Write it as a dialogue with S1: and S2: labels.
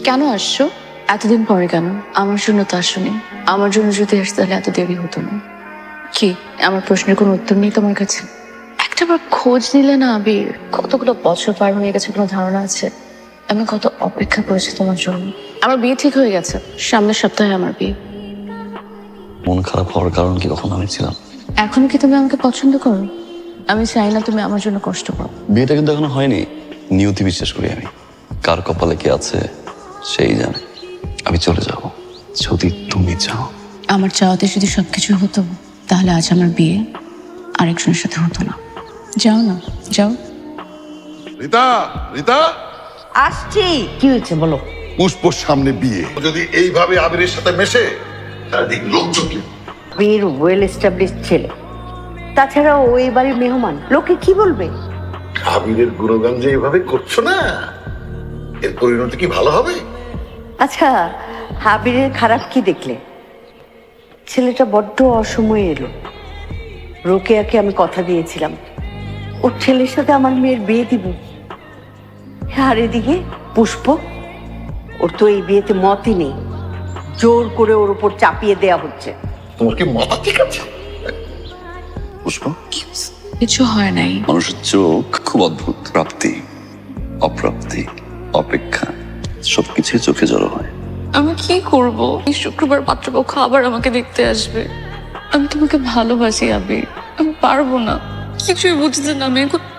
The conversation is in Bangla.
S1: কেন আসছো? এতদিন পরে কেন? আমার জন্য তো আসোনি। আমার জন্য যদি আসতে তাহলে এত দেরি হতো না। কি আমার প্রশ্নের কোনো উত্তর নেই তোমার কাছে? একটাবার খোঁজ নিলে না আবির? কতগুলো বছর পার হয়ে গেছে, কোনো ধারণা আছে আমি কত অপেক্ষা করেছি তোমার জন্য? আমার বিয়ে ঠিক হয়ে গেছে, সামনের সপ্তাহে আমার বিয়ে।
S2: মন খারাপ হওয়ার কারণ কি কখন আমি ছিলাম?
S1: এখনো কি তুমি আমাকে পছন্দ করো? আমি চাই না তুমি আমার জন্য কষ্ট পাও।
S2: বিয়েটা কিন্তু এখনো হয়নি। নিয়তি বিশ্বাস করি আমি। কার কপালে কি আছে সেই জানে। আমি চলে যাব যদি তুমি চাও।
S1: আমার চাওয়াতে যদি সবকিছু হতো তাহলে আজ আমার বিয়ে আরেকজনের সাথে হতো না। যাও না, যাও।
S3: রিতা, রিতা,
S4: আসছি। কি হয়েছে বলো?
S3: পুষ্পর সামনে বিয়ে যদি এইভাবে আবিরের সাথে মেশে চারদিক লোকজন কি?
S4: আবির ওয়েল এস্টাবলিশ ছেলে, তাছাড়া ওই বাড়ির মেহমান, লোকে কি বলবে?
S3: আবিরের গুণগান যে এইভাবে করছো না, এর পরিণতি কি ভালো হবে?
S4: আচ্ছা, আবিরের খারাপ কি দেখলে? ছেলেটা বড্ড অসময়ে এলো। রোকেয়াকে আমি কথা দিয়েছিলাম ওর ছেলের সাথে আমার মেয়ের বিয়ে দিব। আর এদিকে পুষ্প, ওর তো এই বিয়েতে মতই নেই, জোর করে ওর উপর চাপিয়ে দেয়া হচ্ছে।
S3: তোমার কি মাথা ঠিক আছে?
S2: পুষ্প,
S1: কিছু হয় নাই।
S2: মানুষের চোখ খুব অদ্ভুত। প্রাপ্তি, অপ্রাপ্তি, অপেক্ষা সবকিছুই চোখে জড়ো হয়।
S1: আমি কি করব? এই শুক্রবার পাত্রপক্ষ আবার আমাকে দেখতে আসবে। আমি তোমাকে ভালোবাসি আবির, আমি পারবো না। কিছুই বুঝতে না, আমি এখন